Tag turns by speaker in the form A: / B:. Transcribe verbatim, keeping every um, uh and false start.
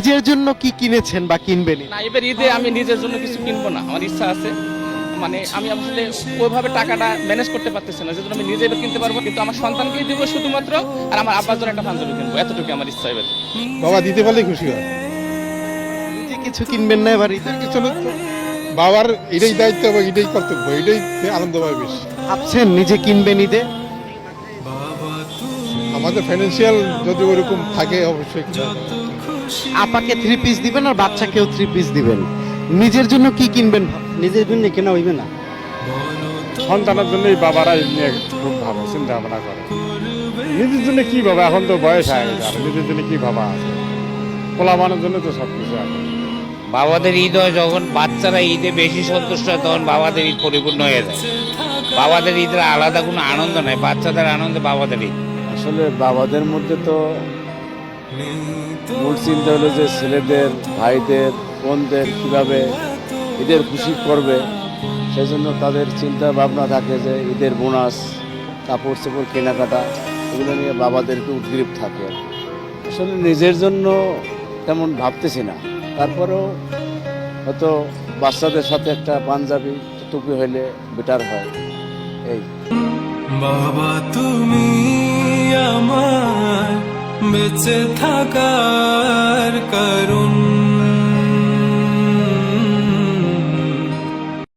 A: নিজের জন্য কি কিনেছেন বা কিনবেন?
B: না, এবার ঈদে আমি নিজের জন্য কিছু কিনবো না, আমার ইচ্ছা আছে। মানে আমি আসলে ওইভাবে টাকাটা ম্যানেজ করতে পারতেছি না, যেজন্য আমি নিজে এবার কিনতে পারবো, কিন্তু আমার সন্তানকেই দিব শুধুমাত্র, আর আমার আব্বার জন্য একটা পাঞ্জাবি কিনবো, এতটুকু আমার ইচ্ছা এবার।
C: বাবা দিতে পারলে খুশি হয়।
A: নিজে কিছু কিনবেন না এবার ঈদে?
C: কিছু না তো, বাবার এটাই দায়িত্ব এবং এটাই কর্তব্য, এটাই আনন্দ পাবে বেশি।
A: ভাবছেন নিজে কিনবেন ঈদে?
C: আমাদের ফাইন্যান্সিয়াল যদি ওরকম থাকে অবশ্যই কিনা যাবে।
A: আপাকে থ্রি পিস দিবেন আর বাচ্চাকেও থ্রি পিস দিবেন, নিজের জন্য কি কিনবেন?
D: নিজের জন্য কেনা হইবে না,
E: সন্তানের জন্যই বাবারা এই নিয়ে খুব ভাবে চিন্তা ভাবনা করে। নিজের জন্য কি ভাবা, এখন তো বয়স হয়ে গেছে, আর নিজের জন্য কি ভাবা আছে? পোলাবানের জন্য তো সব কিছু আছে।
F: বাবাদের ঈদ হয় যখন বাচ্চারা ঈদে বেশি সন্তুষ্ট হয়, তখন বাবাদের ঈদ পরিপূর্ণ হয়ে যায়। বাবাদের ঈদের আলাদা কোনো আনন্দ নাই, বাচ্চাদের আনন্দে বাবাদের ঈদ।
G: আসলে বাবাদের মধ্যে তো মূল চিন্তা হলো যে ছেলেদের, ভাইদের, বোনদের কীভাবে ঈদের খুশি করবে, সেই জন্য তাদের চিন্তা ভাবনা থাকে যে ঈদের বোনাস, কাপড় চোপড় কেনাকাটা, এগুলো নিয়ে বাবাদেরকে উদ্গ্রীব থাকে। আসলে নিজের জন্য তেমন ভাবতেছি না, তারপরেও হয়তো বাচ্চাদের সাথে একটা পাঞ্জাবি টুপি হইলে বেটার হয়। এই
H: বাবা তুমি আমার বেঁচে থাকার কারণ।